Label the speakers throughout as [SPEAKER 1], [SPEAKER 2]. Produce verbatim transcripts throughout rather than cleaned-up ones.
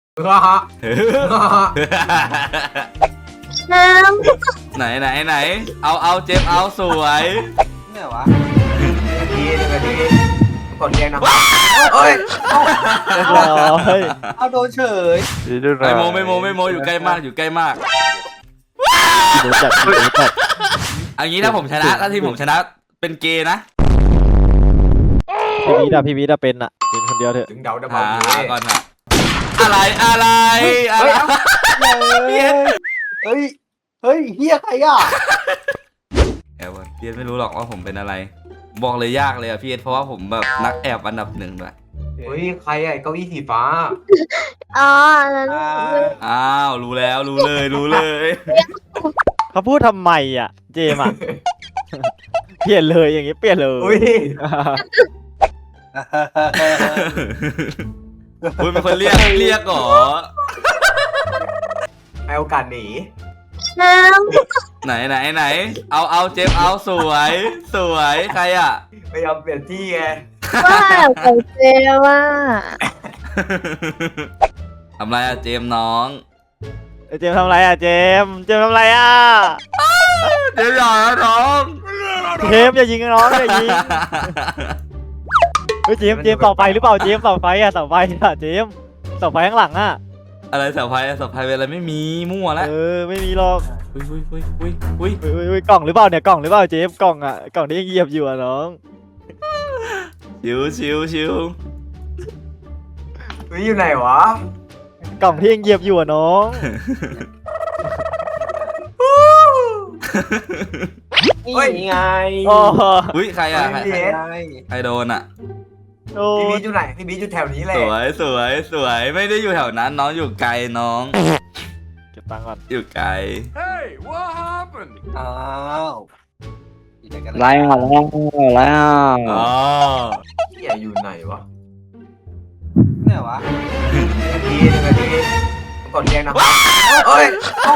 [SPEAKER 1] น้
[SPEAKER 2] ไหนไหนไหนเอาเอาเจมเอาสวย
[SPEAKER 3] เนี่ยวะ
[SPEAKER 4] ดีดีดีกดเรียงนะเฮ้ย
[SPEAKER 3] เอาโดนเฉย
[SPEAKER 2] ไม่โมไม่โมไม่โมอยู่ใกล้มากอยู่ใกล้มากอันนี้ถ้าผมชนะถ้าทีมผมชนะเป็นเกย์นะ
[SPEAKER 5] พี่วิทย์อะพี่วิทย์อะเป็นอะเป็นคนเดียวเถอะ
[SPEAKER 4] ถึงเดาได้
[SPEAKER 2] หา
[SPEAKER 4] บ้าง
[SPEAKER 2] ก่อนนะอะไรอะไรอะไร
[SPEAKER 3] เฮ้ยเฮ้ยเฮ้ยเฮียใครอ่ะ
[SPEAKER 2] แอบพี่เอ็ดไม่รู้หรอกว่าผมเป็นอะไรบอกเลยยากเลยอะพี่เอ็ดเพราะว่าผมแบบนักแอบอันดับหนึ่งด้วย
[SPEAKER 4] เฮ้ยใครอะเก้าอี้สีฟ้า
[SPEAKER 1] อ๋อแล้ว
[SPEAKER 2] อ้าวรู้แล้วรู้เลยรู้เลย
[SPEAKER 5] เขาพูดทำไมอะเจมอะเปลี่ยนเลยอย่างงี้เปลี่ยนเลย
[SPEAKER 4] อุ้ย
[SPEAKER 2] อุ้ยเป็นคนเรียกเรียกเหรอ
[SPEAKER 4] ให้โอกาสหนี
[SPEAKER 1] น้
[SPEAKER 2] ไหนไหนไหนเอาเอาเจมเอาสวยสวยใครอ่ะ
[SPEAKER 4] ไม่ยอมเปลี่ยนที่ไง
[SPEAKER 1] ำว่าของเจว่า
[SPEAKER 2] ทำไรอะเจมน้อง
[SPEAKER 5] เจมทำไรอะเจมเจมทำไรอะ
[SPEAKER 2] เจมอย่าน้อง
[SPEAKER 5] เจมอย่ายิงน้องอย่ายิงเฮ้ยเจมเจมต่อไปหรือเปล่าเจมต่อไปอะต่อไปอะเจมต่อไปข้างหลังอะ
[SPEAKER 2] อะไรสับไพ่สับไพ่เป็นอะไรไม่มีมั่วแล้ว
[SPEAKER 5] เออไม่มีหรอก
[SPEAKER 2] อุ้ยอุ้ยอุ้ยอุ้ยอุ้ย
[SPEAKER 5] อุ้ยกล่องหรือเปล่าเนี่ยกล่องหรือเปล่าเจมกล่องอะกล่องที่ยังเหยียบอยู่อะน้อง
[SPEAKER 2] ชิวชิวชิว
[SPEAKER 4] เฮ้ยอยู่ไหนวะ
[SPEAKER 5] กล่องที่ยังเหยียบอยู่อะน้อง
[SPEAKER 3] นี่ไง
[SPEAKER 2] อุ้ยใครอะใครใครโดนอะ
[SPEAKER 4] พี่บีอยู่ไหนพี่บีอยู่แถวนี้เลย
[SPEAKER 2] สวยสวยสวยไม่ได้อยู่แถวนั้นน้องอยู่ไกลน้อง
[SPEAKER 5] เก็บตังค์ก่อน
[SPEAKER 2] อยู่ไกล
[SPEAKER 6] Hey what happened
[SPEAKER 3] อ้าว
[SPEAKER 5] ไล่อ่ะไล่ไล่อ่ะ
[SPEAKER 2] อ๋อ
[SPEAKER 4] พี่อยู่ไหนวะ
[SPEAKER 3] เนี่ยวะ
[SPEAKER 4] ดีดีดีกดเรียงนะเฮ้ย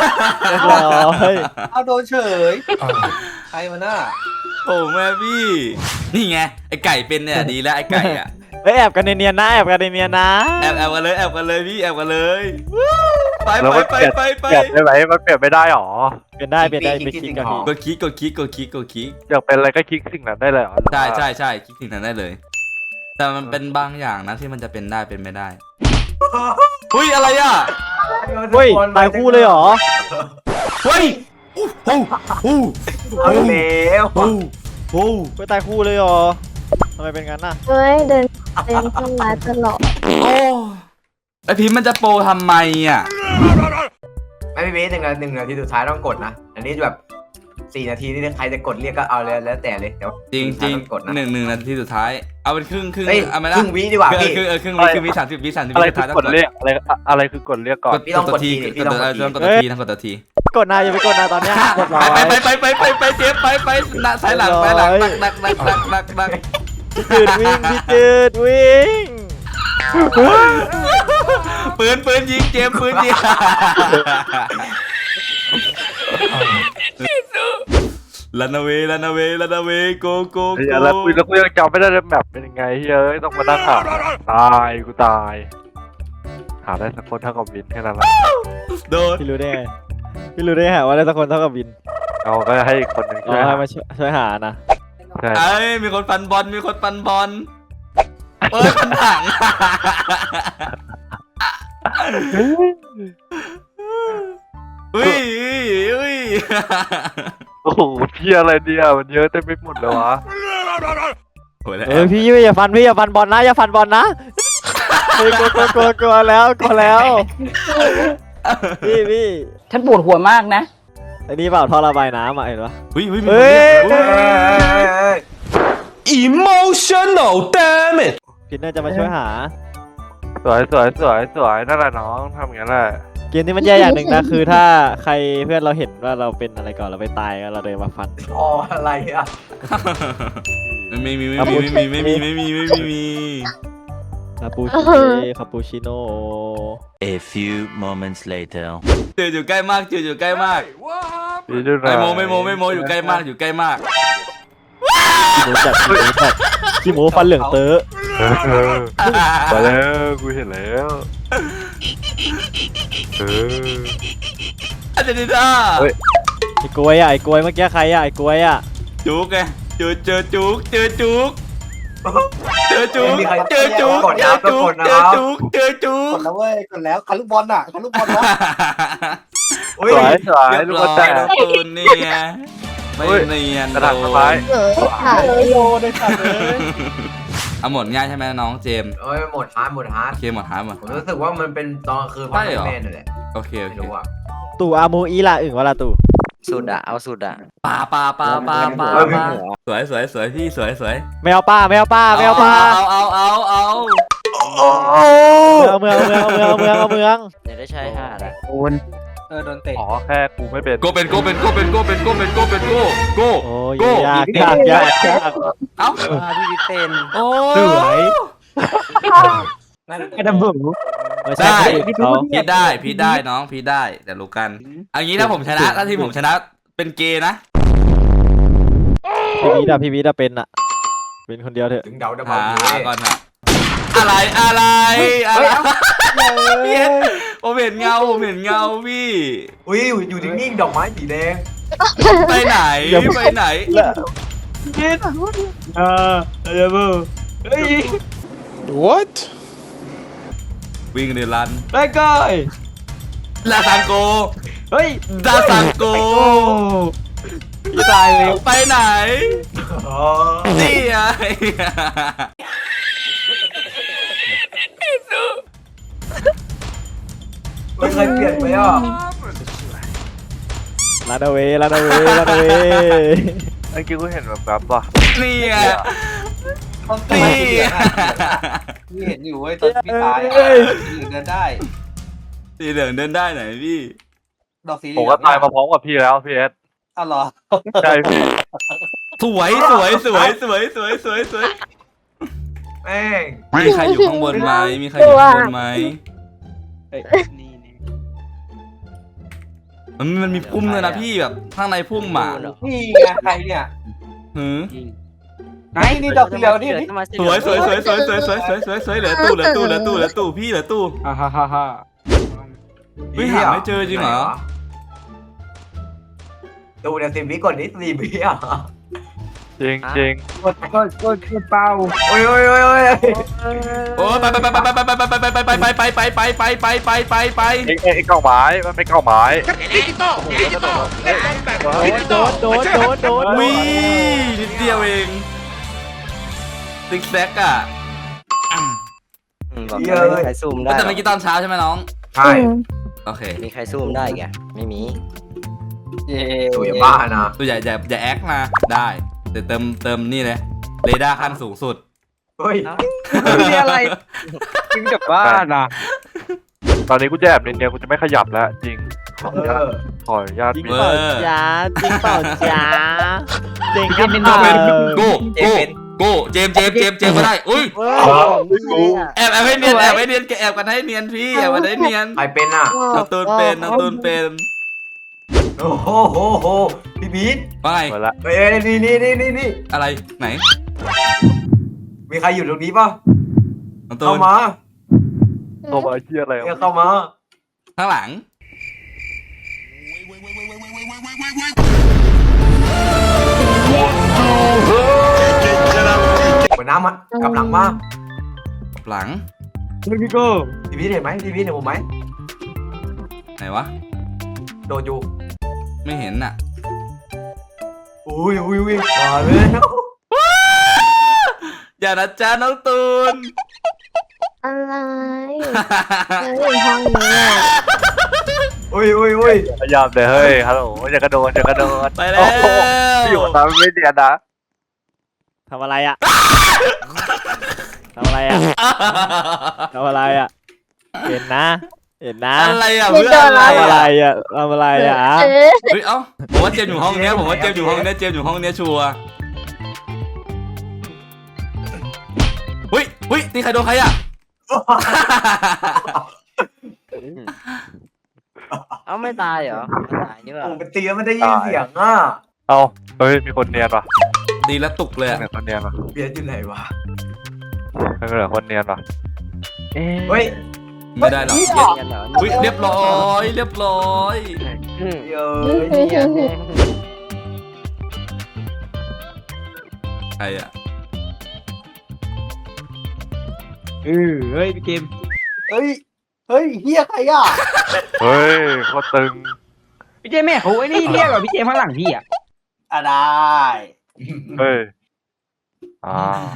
[SPEAKER 3] เอาโดนเฉยใครมาหน้า
[SPEAKER 2] โอ้แม่พี่นี่ไงไอไก่เป็นเนี่ยดีแล้วไอไก่อ่ะ
[SPEAKER 5] เฮ้ยแอบกันเนียนๆนะแอบกันเนียนๆนะ
[SPEAKER 2] แอบแอบกันเลยแอบกันเลยพี่แอบกันเลยไปไปไปไปไป
[SPEAKER 7] เปลี่ยนได้ไหมมันเปลี่ยนไม่ได้หรอ
[SPEAKER 5] เปลี่ยนได้เปลี่ยนได้ไปคลิกกัน
[SPEAKER 2] กดคลิกกดคลิกกดคลิกกดคลิก
[SPEAKER 7] อยากเป็นอะไรก็คลิกสิ่งนั้นได้เลยหรอ
[SPEAKER 2] ใช่ใช่ใช่คลิกสิ่งนั้นได้เลยแต่มันเป็นบางอย่างนะที่มันจะเป็นได้เป็นไม่ได้เฮ้ยอะไรอ่ะ
[SPEAKER 5] เฮ้ยตายคู่เลยหรอ
[SPEAKER 2] เฮ้ยโอ้โหโอ้
[SPEAKER 4] โหเร็ว
[SPEAKER 2] โอ้โห
[SPEAKER 5] ไปตายคู่เลยหรอทำไมเป็นงั้นน่ะ
[SPEAKER 1] เฮ้ยเดินเดินเข้ามาตลอด
[SPEAKER 2] โอ้ไอพิมมันจะโปรทำไมอ่ะ
[SPEAKER 4] ไม่พี่บีหนึ่งนาทีหนึ่งนาทีสุดท้ายต้องกดนะอันนี้แบบสี่นาทีนี่ใครจะกดเรียกก็เอาเลยแล้วแต่เลยเดี๋ยว
[SPEAKER 2] จริงจริงหนึ่งหนึ่งนาทีสุดท้ายเอาเป็นครึ่งครึ่ง
[SPEAKER 4] เอาไม่ได้ครึ่งวิดีกว่าพี่
[SPEAKER 2] ครึ่งเออครึ่งวิครึ่งวิสามสิบวิสามสิบวิ
[SPEAKER 7] อะไรคือกดเรียกอะไรอะไรคือกดเรียกก่อน
[SPEAKER 4] พี่ต้องกดที
[SPEAKER 2] พี่ต้องกดทีต้องกดทีต้องกดที
[SPEAKER 5] กดนายอย่าไปกดนายตอนนี้กดรอ
[SPEAKER 2] ไปไปไปไปไปเจฟไปไปหน้าสายหลังสายหลังนักนักนักนักนักนัก
[SPEAKER 5] พี่จืดวิ่งพี่จืดวิ่ง
[SPEAKER 2] ปืนปืนยิงเจมปืนยิงลันเวลันเวลันเวโกโกโก
[SPEAKER 7] แล้วกูแล้วกูยังจำไม่ได้เลยแบบเป็นยังไงเฮ้ยต้องมานั่งหาตายกูตายหาได้สักคนเท่ากับวินแค่นั้นแหละ
[SPEAKER 2] โดน
[SPEAKER 5] พี่รู้ได้ไงพี่รู้ได้ไงว่าได้สักคนเท่ากับวิน
[SPEAKER 7] เอาก็ให้คนหนึ่งช่วย
[SPEAKER 5] ให้มาช่วยหานะ
[SPEAKER 2] ไอ้มีคนฟันบอลมีคนฟันบอลเปิดผนังอุ้ยอุ้ย
[SPEAKER 7] โอ้โหเที่ยอะไรเนี่ยมันเยอะเต็มไปหมดเลยวะ
[SPEAKER 5] เออพี่อย่าฟันพี่อย่าฟันบอลนะอย่าฟันบอลนะกลัวกลัวกลัวกลัวแล้วกลัวแล้วพี่พี่
[SPEAKER 8] ฉันปวดหัวมากนะ
[SPEAKER 5] ไอ้นี่เปล่าท่อระบายน้ำอ่ะเห็นปะ
[SPEAKER 2] เฮ้ยเฮ้ย
[SPEAKER 5] เฮ้
[SPEAKER 2] ย
[SPEAKER 6] emotional damn it
[SPEAKER 5] พี่น่าจะมาช่วยหา
[SPEAKER 7] สวยสวยสวยสวยนั่นแหละน้องทำอย่างนั้นแหละ
[SPEAKER 5] เกมนี้มันแย่อย่างหนึ่งนะคือถ้าใครเพื่อนเราเห็นว่าเราเป็นอะไรก่อนเราไปตายเราเดินมาฟัน
[SPEAKER 4] อ๋ออะไรอ่ะ
[SPEAKER 2] ไม่มีไม่มีไม่มีไม่มีไม่มีไม่มีไม่มี
[SPEAKER 5] คาปูชิโน่คาปูชิโน่
[SPEAKER 9] A few moments later
[SPEAKER 2] เจออยู่ใกล้มากเจออยู่ใกล้มากไม่โมไม่โมไม่โมอยู่ใกล้มากอยู่ใกล้มาก
[SPEAKER 5] ขี้โมจัดขี้โมจัดขี้โมฟันเหลืองเต๋อ
[SPEAKER 7] มาแล้วกูเห็นแล้วเออ
[SPEAKER 2] อาร์เจนตินา
[SPEAKER 7] เฮ้ย
[SPEAKER 5] ไอ้กล้วยอ่ะไอ้กล้วยเมื่อกี้ใครอ่ะไอ้กล้วยอ่ะ
[SPEAKER 2] จุกไงเจอเจอจุกเจอจุกเจอจุก
[SPEAKER 4] ไม่มีใคร
[SPEAKER 2] เจอจุก
[SPEAKER 4] กด
[SPEAKER 2] เจ
[SPEAKER 4] นะ
[SPEAKER 2] อจุก
[SPEAKER 4] กดนะ
[SPEAKER 2] เจอจุกเจอจุ
[SPEAKER 3] ก
[SPEAKER 2] ก
[SPEAKER 3] ดแล้วเว้ยกดแล้วคันลูกบอลน่ะคันลูกบอลนะ
[SPEAKER 4] อุ้ย
[SPEAKER 7] สวยสวย
[SPEAKER 2] เรียบ
[SPEAKER 7] ลูก
[SPEAKER 2] ร้
[SPEAKER 7] กระ
[SPEAKER 2] อย
[SPEAKER 7] แต
[SPEAKER 2] น้องตูนเนี่ยไม่เนียน
[SPEAKER 7] กระดาษ
[SPEAKER 2] โด
[SPEAKER 7] สบาย
[SPEAKER 2] น
[SPEAKER 1] เออค่ะ
[SPEAKER 3] เอ้ยโยนเลยสัตว์เลย
[SPEAKER 2] เอาหมดง่ายใช่ไหมน้องเจมส์
[SPEAKER 4] เอ้ยหมดฮาร์ดหมดฮาร์ด
[SPEAKER 2] โอเคหมดหายหมด
[SPEAKER 4] ผมรู้สึกว่ามันเป็นตอนกลางคืน
[SPEAKER 2] ใช่เหรอ
[SPEAKER 4] แม่นั่นแหละ
[SPEAKER 2] โอเคโอ
[SPEAKER 4] ไม่
[SPEAKER 2] เค
[SPEAKER 4] รู้อ่ะ
[SPEAKER 5] ตู่อามูอีละอึ่งวะละตู่
[SPEAKER 8] สุดอะเอาสุดอะ
[SPEAKER 2] ปลาปลาปลาปลาปลา
[SPEAKER 4] เออ
[SPEAKER 2] ปลาสวยสวยสวยพี่สวยสวย
[SPEAKER 5] ไม่เอาป้าไม่เอาป้าไม่เอาป้า
[SPEAKER 2] เอาเอาเอาเอา
[SPEAKER 5] เอาเมืองเอาเมืองเอาเมืองเอาเมืองเอาเมือง
[SPEAKER 8] เดี๋ยวได้ใช้หาดอะ
[SPEAKER 3] เออโดนเตะ
[SPEAKER 7] อ๋อแค่กูไม่เป็น
[SPEAKER 2] โกเป็นโกเป็นโกเป็นโกเป็นโกเป็นโกเป็นโกโก
[SPEAKER 5] โอ้ย
[SPEAKER 2] โก้
[SPEAKER 5] ยากยากยากยาก
[SPEAKER 2] เอ้า
[SPEAKER 8] พี่วิเตน
[SPEAKER 2] โอ้
[SPEAKER 5] สวย
[SPEAKER 3] นั่น
[SPEAKER 5] ไอ้ดำบุ๋มไม่
[SPEAKER 2] ได้
[SPEAKER 5] ใช่เขา
[SPEAKER 2] พี่ได้พี่ได้น้องพี่ได้แต่รู้กันอันนี้ถ้าผมชนะถ้าทีมผมชนะเป็นเกย์นะ
[SPEAKER 5] พี่วิทย์อะพี่วิทย์อะเป็นอะเป็นคนเดียวเถอะ
[SPEAKER 4] ถึงเดาได้
[SPEAKER 2] หา
[SPEAKER 4] บ้าง
[SPEAKER 2] หาก่อนค่ะอะไรอะไรอะไรพี่เห็นผมเห็นเงาผมเห็นเงาพี่
[SPEAKER 4] อุ้ยอยู่นิ่งๆดอกไม้สีแดง
[SPEAKER 2] ไปไหนไปไหน
[SPEAKER 5] เออเดี๋ยวมึงเฮ้ย
[SPEAKER 6] What?
[SPEAKER 2] วิ่งเดือรัน
[SPEAKER 5] ไปก่อย
[SPEAKER 2] ลาซังโก
[SPEAKER 5] เฮ้ย
[SPEAKER 2] ลาซังโก
[SPEAKER 5] จะตายเลย
[SPEAKER 2] ไปไหน
[SPEAKER 4] อ๋อ
[SPEAKER 2] นี่ไง
[SPEAKER 4] ไม่เคยเปลี่ยนไปอ่ะ
[SPEAKER 5] ลาดาเวลาดาเวลาดาเว
[SPEAKER 7] เมื่อกี้กูเห็นแบบแบบว่ะ
[SPEAKER 2] นี่ไง
[SPEAKER 3] ต้องเตะ
[SPEAKER 2] นี่
[SPEAKER 3] พี่เห็นอยู่เว้ยตอนพี่ตายอ่ะสีเหลืองเดินได้
[SPEAKER 2] สีเหลืองเดินได้ไหนพี่
[SPEAKER 3] ดอกสีเหลื
[SPEAKER 7] ผม
[SPEAKER 3] อง
[SPEAKER 7] ก็ตายมาพร้อมกับพี่แล้วพี่เอส
[SPEAKER 3] อ้าวเหรอ
[SPEAKER 7] ใช่พี่
[SPEAKER 2] สวยสวยสวยสวยสวยสวยสวย
[SPEAKER 4] แม่ง
[SPEAKER 2] มีใครอยู่ข้างบนไหมมีใครอยู่ข้างบนไหม
[SPEAKER 3] นี่นี่
[SPEAKER 2] มันมันมีพุ่มเลยนะพี่แบบข้างในพุ่มหมา
[SPEAKER 3] นี่ไงใครเนี่ย
[SPEAKER 2] หือ
[SPEAKER 3] ไหนนี่ดอกสีเหลืองนี่นี่
[SPEAKER 2] สวยสวยสวยสวยสวยสวยสวยสวยสวยเหลือตู้เหลือตู้เหลือตู้เหลือตู้พี่เหลือตู้
[SPEAKER 3] อ่าฮ่าฮ่าฮ่า
[SPEAKER 2] เฮ้ยหาไม่เจอจริงเหรอ
[SPEAKER 4] ดูเนี่ยสิบวิก่อนนี้สี่วิอ่ะ
[SPEAKER 7] จริงจริง
[SPEAKER 3] กดกดกดกดเป้า
[SPEAKER 4] โอ้ยโอ้ยโอ้ยโอ้ย
[SPEAKER 2] โอ้ไปไปไปไปไปไปไปไปไปไปไปไปไปไปไปไปไปไป
[SPEAKER 7] ไอ้ไอ้ไอ้เก้าไม้มันเป็นเก้าไม้
[SPEAKER 5] โดนโดนโดนโดน
[SPEAKER 2] วินิดเดียวเองติ๊กแซกอ่ะ
[SPEAKER 8] บอกไม่มีใครซูมได้
[SPEAKER 2] แต่เมื่อกี้ตอนเช้าใช่ไหมน้อง
[SPEAKER 4] ใช่
[SPEAKER 2] โอเค
[SPEAKER 8] มีใครซูมได้แกไม่มี
[SPEAKER 3] เย่
[SPEAKER 4] ตัวอย่าบ้านะ
[SPEAKER 2] ตัวใหญ่อย่าอย่าแอคนะได้แต่เติมเติมนี่เลยเรดาร์ขั้นสูงสุด
[SPEAKER 4] เฮ้ย
[SPEAKER 3] นี่อะไรกินกับบ้านอ่ะ
[SPEAKER 7] ตอนนี้กูจะแอบเนียนๆกูจะไม่ขยับแล้วจริงขออนุญาต
[SPEAKER 4] เออ
[SPEAKER 7] ขออนุญาต
[SPEAKER 5] จริง
[SPEAKER 7] มี
[SPEAKER 5] เปล่าจ้าจริงเปล่าจ้าจริงครับ
[SPEAKER 2] โกเป็นโกโกโกเจมเจมเจมเจมก็ได้อุ้ยแอบแอบให้เนียนแอบให้เนียนแอบกันให้เนียนพี่แอบกันให้เนียน
[SPEAKER 4] ใครเป็นอ่ะ
[SPEAKER 2] น้องตูนเป็นน้องตูนเป็น
[SPEAKER 4] โอ้โหโหโหพี่บีท
[SPEAKER 2] ว่าไง
[SPEAKER 7] หมดละ
[SPEAKER 4] เอ้ยนี่นี่นี่นี่นี่
[SPEAKER 2] อะไรไหน
[SPEAKER 4] มีใครอยู่ตรงนี้ป่ะ
[SPEAKER 2] น้องตู
[SPEAKER 4] เข้าน มา
[SPEAKER 7] ตัวมาเชี่ยอะไร
[SPEAKER 4] เนี่ยเข้ามา
[SPEAKER 2] ข้างหลัง
[SPEAKER 4] หัวน้ำอ่ะกลับหลังมา
[SPEAKER 2] หลัง
[SPEAKER 5] พี่โก้
[SPEAKER 4] พี่บีทเห็นไหมพี่บีทเห็นผมไหม
[SPEAKER 2] ไหนวะ
[SPEAKER 4] โดนอยู่
[SPEAKER 2] ไม่เห็นน่ะ
[SPEAKER 4] อุ้ยอุ้ยอุ้ยมาเลย
[SPEAKER 2] อย่านะจ๊ะน้องตูน
[SPEAKER 1] อะไรแล้วอยู่ห้องนี้อ่ะ
[SPEAKER 4] อุ้ยอุ้ยอุ้ย
[SPEAKER 7] พยายามเลยเฮ้ยฮัลโหลอย่ากระโดดอย่ากระโดด
[SPEAKER 2] ไปแล้ว
[SPEAKER 7] โอ้โหพี่อยู่ตามไม่เนียนนะ
[SPEAKER 5] ทำอะไรอ่ะทำอะไรอ่ะทำอะไรอ่ะเห็นนะเห็นนะ
[SPEAKER 2] อะไรอ่ะเพื่อนอะไร
[SPEAKER 5] ทำอะไร
[SPEAKER 2] อ่ะ
[SPEAKER 5] อ่ะทำอะไรอ่ะ
[SPEAKER 1] เออ
[SPEAKER 2] เฮ้ยเอ้าผมว่าเจมส์อยู่ห้องเนี้ยผมว่าเจมส์อยู่ห้องเนี้ยเจมส์อยู่ห้องเนี้ยชัวร์เฮ้ยเฮ้ยนี่ใครโดนใครอ่ะ
[SPEAKER 8] เอาไม่ตายเหรอไม่ตายนี่ว่า
[SPEAKER 4] โอ้เป็นตีแล้วมันได้ยินเสียงอ่ะ
[SPEAKER 7] เอาเฮ้ยมีคนเนียนป่ะ
[SPEAKER 2] ดีแล้วตุกเลยอะ
[SPEAKER 7] มีคนเนียนป่ะ
[SPEAKER 4] เบียดอยู่ไหนวะ
[SPEAKER 7] ไม่เป็นไรคนเนียนป่ะเอ๊ะ
[SPEAKER 4] เฮ้ย
[SPEAKER 2] ไม่ได้หรอก
[SPEAKER 8] เรียนกันเหรอ
[SPEAKER 2] อุ้ยเรียบร้อยเรียบร้อย
[SPEAKER 4] เยอะเนียน
[SPEAKER 2] ใครอ่ะ
[SPEAKER 3] เออเฮ้ยพี่เกมเฮ้ยเฮ้ยเฮียใครอ่ะ
[SPEAKER 7] เฮ้ยโคตรตึง
[SPEAKER 3] พี่เจมแม่เขาไอ้นี่เรียกเหรอพี่เจมข้างหลังพี่อ่ะอ่ะได้
[SPEAKER 7] เฮ้ยอ่า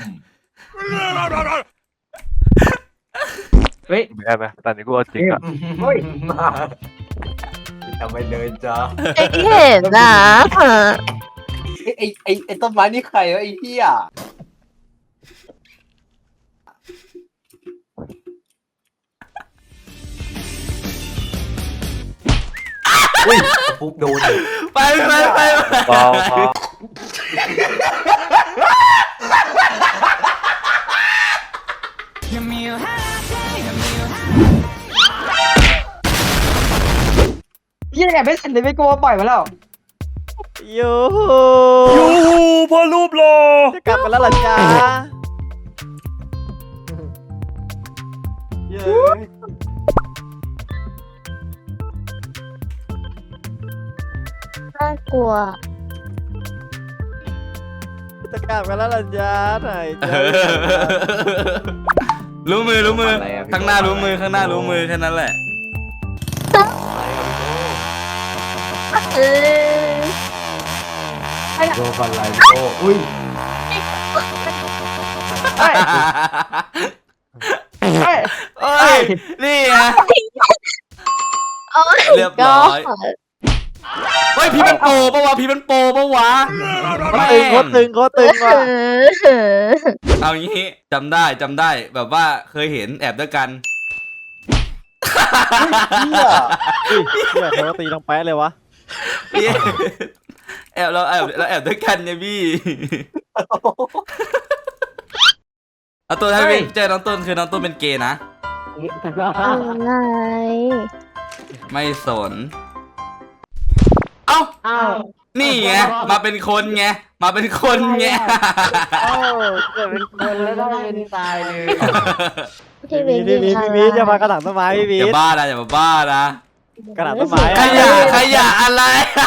[SPEAKER 3] เฮ้ย
[SPEAKER 7] ไม่ได้ไหมแต่นี้กูเอาจริงอ่ะ
[SPEAKER 3] เฮ้ย
[SPEAKER 4] มาทำไมเดินจ้า
[SPEAKER 1] ไอ้เห็นนะ
[SPEAKER 3] ไอ้ไอ้ไอ้ไอ้ต้นไม้นี่ใครวะไอ้เฮีย
[SPEAKER 4] อุ้ยฟุกโดน
[SPEAKER 2] ไปไปไป
[SPEAKER 7] เบาเบา
[SPEAKER 3] เฮียแอบไม่สันเลยไม่กลัวปล่อยมาแล้ว
[SPEAKER 5] ยู
[SPEAKER 2] ยูพอรูปหล่อ
[SPEAKER 5] จะกลับกันแล้วเหรอจ๊ะเย้ย
[SPEAKER 1] น่ากลัว
[SPEAKER 5] จะกลับกันแล้วเหรอจ๊ะไหนจ๊ะ
[SPEAKER 2] รู้มือรู้มือข้างหน้ารู้มือข้างหน้ารู้มือแค่นั้นแหละ
[SPEAKER 1] เออ
[SPEAKER 4] โดนฟันไหลโอ้อุ้ย
[SPEAKER 3] เฮ้ยเฮ้ย
[SPEAKER 2] โอ้ยนี่ไง
[SPEAKER 1] โอ้ย
[SPEAKER 2] เรียบร้อยเฮ้ยพี่มันโปปะวะพี่มันโปปะวะ
[SPEAKER 5] โคตรตึงโคตรตึงโคตรตึงว่ะ
[SPEAKER 1] เออ
[SPEAKER 2] เอางี้จำได้จำได้แบบว่าเคยเห็นแอบด้วยกัน
[SPEAKER 3] เฮีย
[SPEAKER 5] อุ้ยเหี้ยเขาตีลงแป๊ะเลยวะ
[SPEAKER 2] พี่แอบเราแอบเราแอบด้วยกันเนี่ยพี่เอาตัวให้พี่เจอน้องต้นคือน้องต้นเป็นเกย์นะ
[SPEAKER 1] อะไร
[SPEAKER 2] ไม่สน เอ้า
[SPEAKER 3] อ้าว
[SPEAKER 2] นี่ไง มาเป็นคนไง มาเป็นคนไง
[SPEAKER 5] เอ้าเกิดเป็นคนแล้วต้องเป็นตายเลย
[SPEAKER 1] พี่
[SPEAKER 5] พี่
[SPEAKER 1] วิ
[SPEAKER 5] วี
[SPEAKER 1] น
[SPEAKER 5] พี่วีพี่วีอย่ามากระถางต้นไม้พี่วี
[SPEAKER 2] อย่าบ้านะอย่ามาบ้านะ
[SPEAKER 5] กระถางต้นไม้
[SPEAKER 2] ขยะขยะอะไร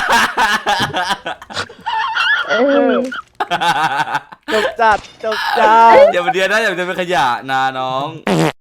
[SPEAKER 1] เออ
[SPEAKER 5] จบจัดจบจัด
[SPEAKER 2] อย่ามาเดียนนะอย่ามาเดียนเป็นขยะนะน้อง